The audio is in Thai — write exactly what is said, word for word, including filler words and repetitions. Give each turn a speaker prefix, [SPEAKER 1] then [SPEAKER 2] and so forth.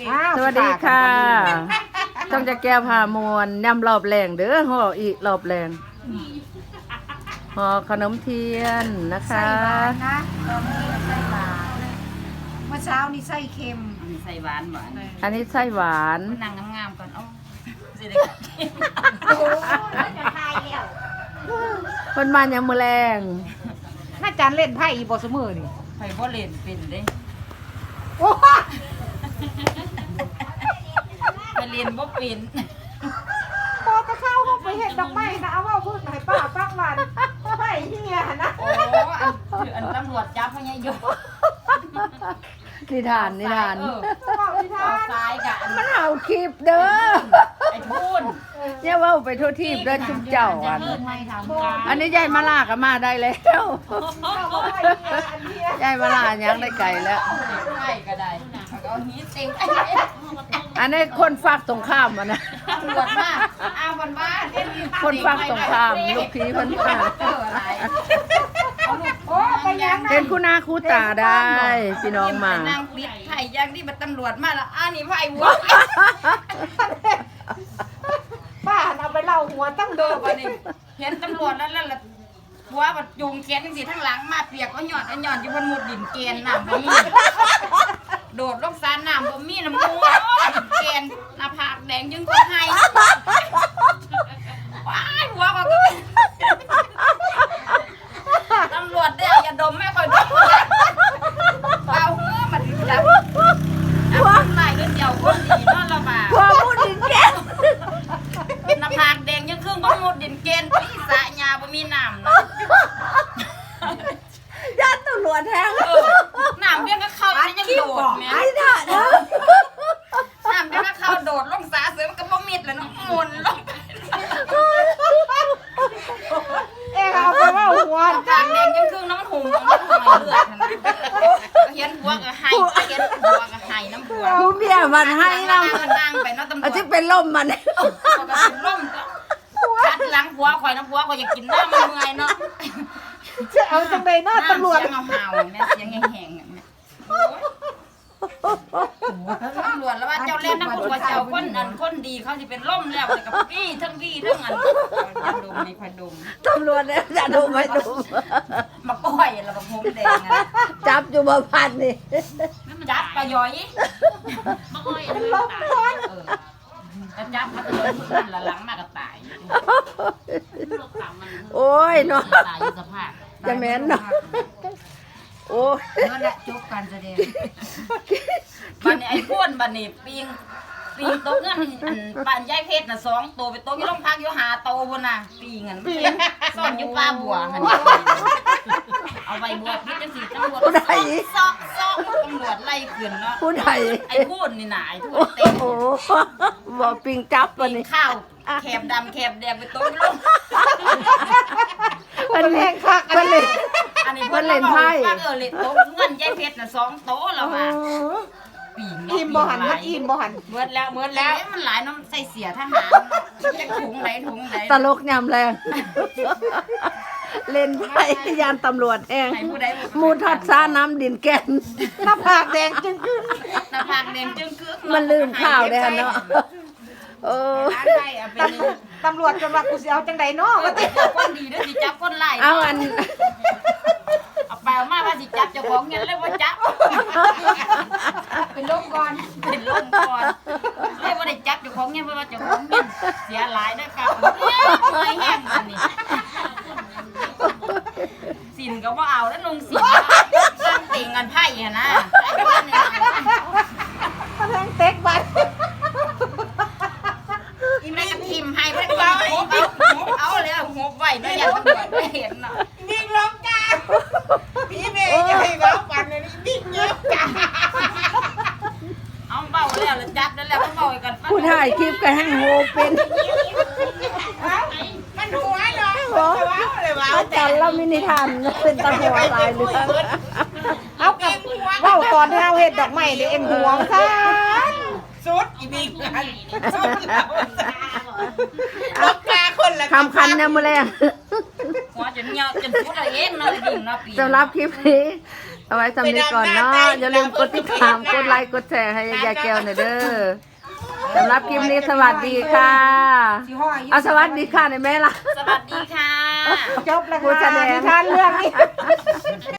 [SPEAKER 1] สวัสดีค่ะต้องจะแก้พามวนยำรอบแรงเด้อห่ออีกรอบแรงห่อขนมเทียนนะคะ
[SPEAKER 2] ไส้หวานนะตอนนี้ไส้หวานเมื่อเช้านี่ไส้เค็ม
[SPEAKER 3] มีใส่หวานหวาน
[SPEAKER 1] อันนี้ไส้หวาน
[SPEAKER 3] นางงามๆก่อนเอ้าสิได้
[SPEAKER 2] โอ้ยจะทายแล้ว
[SPEAKER 1] มันมาอย่างมือแรง
[SPEAKER 2] น่าจานเล่นไพ่อีบอสมือนี่
[SPEAKER 3] ไผบ่เล่นเป็นเด้
[SPEAKER 2] โอ้
[SPEAKER 3] ไปเรียนบ่เป็น
[SPEAKER 2] พอจะเข้าห้องไปเห็นดอกไม้นะเอาว่าพูดให้ป้าฟังวันไพ่เฮียนะ
[SPEAKER 3] โอ้อันคืออันตำรวจจับพญายก
[SPEAKER 1] นิทานนิทาน
[SPEAKER 3] เออ
[SPEAKER 2] เอาที่ท่า
[SPEAKER 3] เอาซ้ายกะอัน
[SPEAKER 1] มันเห่าคลิปเด้อ
[SPEAKER 3] ไอ้พูน
[SPEAKER 1] เนี่ยว่าไปทั่วทีบเด้อชุบเจ้าอัน
[SPEAKER 3] ไม่ทำการ
[SPEAKER 1] อันนี้ยายมาลาก็มาได้แล้ว
[SPEAKER 2] เอาว่าไพ่เฮียอันเนี้ย
[SPEAKER 1] ยายมาลายังได้ไก่แล้ว
[SPEAKER 3] ใช่ก็ได้เอาหีเต็ง
[SPEAKER 1] อันนี้คนฝากตรงข้ามอ่ะนะ
[SPEAKER 3] ตำรวจมาอ้าววันบ้าน
[SPEAKER 1] คนฝากตรงข้ามลูกพีเพิ่นมา
[SPEAKER 3] เอออะไรเอาลูก
[SPEAKER 2] โอ้ไปยัง
[SPEAKER 1] เป็นคู่หน้าคู่ตาได้พี่น้องมา
[SPEAKER 3] นางปิดไผ่ย่างที่มันตำรวจมาแล้วอ้านี่ไผ่วัว
[SPEAKER 2] ป้าเอาไปเล่าหัวตั้ง
[SPEAKER 3] เดิ
[SPEAKER 2] เดิ
[SPEAKER 3] น
[SPEAKER 2] ม
[SPEAKER 3] ไปนี่เห็นตำรวจแล้วแล้วหัวมันจูงแขนจังสิทั้งหลังมาเปียกเอาหยอดเอาหยอดอยู่บนหมุดดินเกณฑ์น้ำบ่มีโดดลงสารน้ำบ่มีน้ำมูเกณฑ์หน้าผากแดงยังก็ให้ว้ายหัวก็ตำรวจได้อย่าดมไม่ค่อยดมเอาหัวมันจับหัวไหลก็เจียวคนดีนอนละบา
[SPEAKER 1] พอพูดถึงแก
[SPEAKER 3] หน้าผากแดงยังครึ่งบ่หมดดินเกณฑ์พี่สะยาบ่มีน้ำเนาะ
[SPEAKER 1] ญาติตำรวจแทง
[SPEAKER 3] เออน้ำเบี้ยก็เข้ายังโดดแม่
[SPEAKER 1] ไอ้ด่าเด้อ
[SPEAKER 3] น้ำเบี้ยก็เข้าโดดลงสาเสือมันก็บ่มิดแล้วเนาะหมุนลง
[SPEAKER 2] เอ๊ะเอาไปเล่าหัว
[SPEAKER 3] หน้าผากแดงยังครึ่งน้ำหุ่มมันหอยเลือดนะเห็นหัวก็ให้เห็นหัวก็ให้น้ำหัว
[SPEAKER 1] ผู้เมียมันให้เรา
[SPEAKER 3] นั่งไปเนาะตำรว
[SPEAKER 1] อา
[SPEAKER 3] จ
[SPEAKER 1] จจะเป็นล่มมัน
[SPEAKER 3] ก็เป็นล่มก็คัดหลังหัวข่อยน้ำหัวข่อยอยากกินน้ำมันเมื่อยเนาะ
[SPEAKER 2] จะเอาจังใดเนาะตำรวจ
[SPEAKER 3] เสียงเห่าๆแม่เสียงแห้งๆอะแม่โอ้ยตำรวจแล้วว่าเจ้าเล่นน้ำคุณว่าเจ้าคนอันคนดีเขาสิเป็นล่มแล้วแต่กับพี่ทั้งพี่ทั้งอันอย่าดมนี่ค่อยดม
[SPEAKER 1] ตำรวจเนี่ยจะดูไม่ดู
[SPEAKER 3] มาก้อยแล้วก็ผมแดงอะ
[SPEAKER 1] จับอยู่บ่พันนี่
[SPEAKER 3] จับปลาย้อย
[SPEAKER 4] มาอ้อยอัน
[SPEAKER 2] เป็น
[SPEAKER 4] นี้
[SPEAKER 2] ลม
[SPEAKER 4] ตาย
[SPEAKER 2] ร้อน
[SPEAKER 3] เออแล้วจับมาตัวนั่นละหลังมากก็ตาย
[SPEAKER 4] ลูกสาวมัน
[SPEAKER 1] โอ้ยเนาะ
[SPEAKER 4] ตายอยู่สภาพ
[SPEAKER 1] จะแม่นเนาะโอ้ย
[SPEAKER 3] นั่นแหละจบการแสดงบันนี้ไอ้พ่นบันนี้ปิงปิงโต๊ะเงินอันปานยายเพชรน่ะสองตัวไปโต๊ะที่โรงพักอยู่หาโตพุ่นน่ะปิงอันซ่อนอยู่ปลาบัวหั่นเอาใบบัวพิษจังซี่ตำรวจซอกซอกตำรวจไล่ขึ้นเนาะ
[SPEAKER 1] ผู้ใด
[SPEAKER 3] ไอ้พูดนี่น่ะไอ้พูด
[SPEAKER 1] โอ้
[SPEAKER 3] เต็ม
[SPEAKER 1] โหบ่ปิงจับ
[SPEAKER 3] ปิ
[SPEAKER 1] วัน
[SPEAKER 3] ง
[SPEAKER 1] นี้
[SPEAKER 3] ข้าวแคบดำแคบแดงไปโต๊ะลง
[SPEAKER 1] มันเล่นคักมันเล่น
[SPEAKER 3] อันนี้
[SPEAKER 1] มันเล่นไพ่
[SPEAKER 3] เออเล่นโต๊ะเงินยายเพชรน่ะสองโต๊ะแล้วว่าปีง
[SPEAKER 2] อิ่มบ่หันมันอิ่มบ่หัน
[SPEAKER 3] เมื่อแล้วเมื่อแล้วมันหลายน้ำใส่เสียทหารจะถุงไหนถุงไหน
[SPEAKER 1] ตลกยำแรง เล่นไพ่ยานตำรวจแอง
[SPEAKER 3] ให้ผู้ใด
[SPEAKER 1] มูทัดซาน้ำดินแกน
[SPEAKER 2] หน้าผากแดงจึงขึ้น
[SPEAKER 3] หน้าผากแดงจึงกึก
[SPEAKER 1] มันลืมข้าวได้เนาะโอ้
[SPEAKER 3] ร้านไทยเอาไปลืม
[SPEAKER 2] ตำรวจจนว่ากูสิเอาจังใดเนาะว่าติ
[SPEAKER 3] จับคนดีด้วยสิจับคนไล่
[SPEAKER 1] เอาอัน
[SPEAKER 3] เอาไปเอามาว่าสิจับเจ้าของเงินเลยว่าจับ
[SPEAKER 2] เป็นลมก่อน
[SPEAKER 3] เป็นลมก่อนเลยว่าได้จับเจ้าของเงินเพราะว่าเจ้าของเงินเสียหลายด้วยครับเนี่ยไม่แห้งมันนี่สินก็ว่าเอาแล้วลงสินสร้างติ่งกันไพ่อะนะไอ้บ้านเนี่ย
[SPEAKER 2] กำลังเต็กบัด
[SPEAKER 3] อีแม่ก็ทิมให้เพื่อนเอาเอาเอาเลยหัวไหวด้วยอย่าตำรวจไม่เห็นเนาะ
[SPEAKER 2] นิ่งลงจ้าพี่เมย์จะให้เราปั่นเลยนิ่งเงียบจ้า
[SPEAKER 3] เอาเบาแล้วแล้วจับแล้วแล้วก็เบากัน
[SPEAKER 1] ผู้ถ่ายคลิปก็ให้โหเป็น
[SPEAKER 2] มันหัวเนาะ
[SPEAKER 1] โอ้อาจารย์เรามินิทานเป็นตาหัวตายเลย
[SPEAKER 2] เอากับเว้าก่อนที่เราเฮ็ดดอกไม้เดี๋ยวเอ็งห่วงซะ
[SPEAKER 5] สุดอีบิ๊กกันสุดแล้วลูกกาคนละ
[SPEAKER 1] คำคันเนี่ยมือแรง
[SPEAKER 3] หัวจนเหี่ยวจนพูดอะไรเองเนาะดิ่งเนาะปี
[SPEAKER 1] สำหรับคลิปนี้เอาไว้สำนี้ก่อนเนาะอย่าลืมกดติดตามกดไลค์กดแชร์ให้ยายแก้วหน่อยเด้อสำหรับคลิปนี้สวัสดีค่ะเอาสวัสดีค่ะในอยแม่ล่ะ
[SPEAKER 3] สวัสดีค่ะ
[SPEAKER 2] จบแล้วค่ะนิทานเรื่องนี้